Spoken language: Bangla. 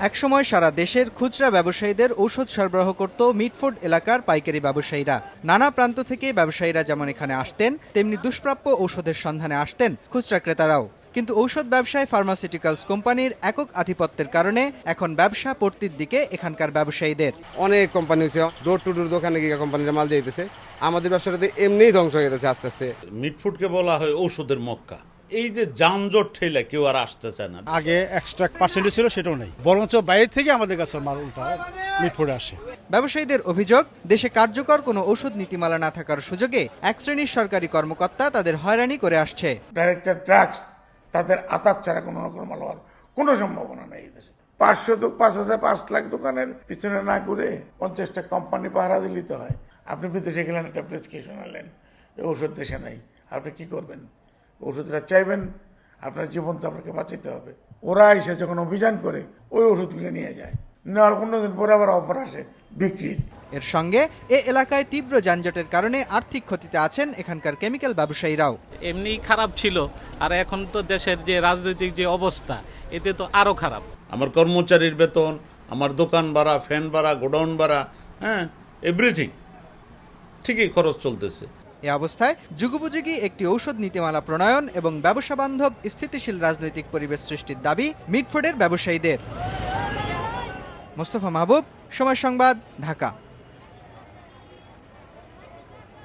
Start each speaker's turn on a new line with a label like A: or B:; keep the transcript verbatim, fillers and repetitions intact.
A: একসময় সারা দেশের খুচরা ব্যবসায়ীদের ঔষধ সরবরাহ করত মিটফোর্ড এলাকার পাইকারি ব্যবসায়ীরা। নানা প্রান্ত থেকে ব্যবসায়ীরা যেমন এখানে আসতেন, তেমনি দুষ্প্রাপ্য ঔষধের সন্ধানে আসতেন খুচরা ক্রেতারাও। কিন্তু ঔষধ ব্যবসায় ফার্মাসিউটিক্যালস কোম্পানির একক আধিপত্যের কারণে এখন ব্যবসা পড়তির দিকে এখানকার ব্যবসায়ীদের।
B: অনেক কোম্পানি হচ্ছে ডোর টু ডোর দোকানে গিয়ে কোম্পানিরা মাল দিয়ে দিতেছে। আমাদের ব্যবসাটাতে এমনিই ধ্বংস হয়ে যাচ্ছে আস্তে আস্তে।
C: মিটফুডকে বলা হয় ঔষধের মক্কা। এই যে যানজট ঠেলে কেউ আর আসতে চায় না।
D: আগে এক্সট্রা পার্সেন্টেজ ছিল, সেটাও নেই, বরঞ্চ বাইরে থেকে আমাদের কাছে মাল উল্টা মিটফুডে আসে।
A: ব্যবসায়ীদের অভিযোগ, দেশে কার্যকর কোনো ঔষধ নীতিমালা না থাকার সুযোগে এক শ্রেণীর সরকারি কর্মকর্তা তাদের হয়রানি করে আসছে।
E: ডাইরেক্টর ড্রাগস তাদের আতাত ছাড়া কোনো রকম মাল হওয়ার কোনো সম্ভাবনা নেই। দেশে পাঁচশো তো পাঁচ হাজার পাঁচ লাখ দোকানের পিছনে না ঘুরে পঞ্চাশটা কোম্পানি পাহারা দিতে হয়। আপনি বিদেশে গেলেন, একটা প্রেসক্রিপশন আনলেন, ওষুধ দেশে নাই, আপনি কি করবেন? ওষুধটা চাইবেন, আপনার জীবন তো আপনাকে বাঁচাতে হবে। ওরা এসে যখন অভিযান করে ওই ওষুধগুলো নিয়ে যায়, নেওয়ার পনেরো দিন পরে আবার অফার আসে বিক্রির।
A: এর সঙ্গে এ এলাকায় তীব্র যানজটের কারণে আর্থিক ক্ষতিতে আছেন এখানকার কেমিক্যাল ব্যবসায়ীরাও।
F: এমনি খারাপ ছিল, আর এখন তো দেশের যে রাজনৈতিক যে অবস্থা, এতে তো আরো খারাপ।
C: আমার কর্মচারীর বেতন, আমার দোকান ভাড়া, ফ্যান ভাড়া, গোডাউন ভাড়া, হ্যাঁ এভরিথিং ঠিকই খরচ চলতেছে।
A: এ অবস্থায় যুগোপযোগী একটি ঔষধ নীতিমালা প্রণয়ন এবং ব্যবসা বান্ধব স্থিতিশীল রাজনৈতিক পরিবেশ সৃষ্টির দাবি মিটফোর্ডের ব্যবসায়ীদের। মোস্তফা মাহবুব, সময় সংবাদ, ঢাকা।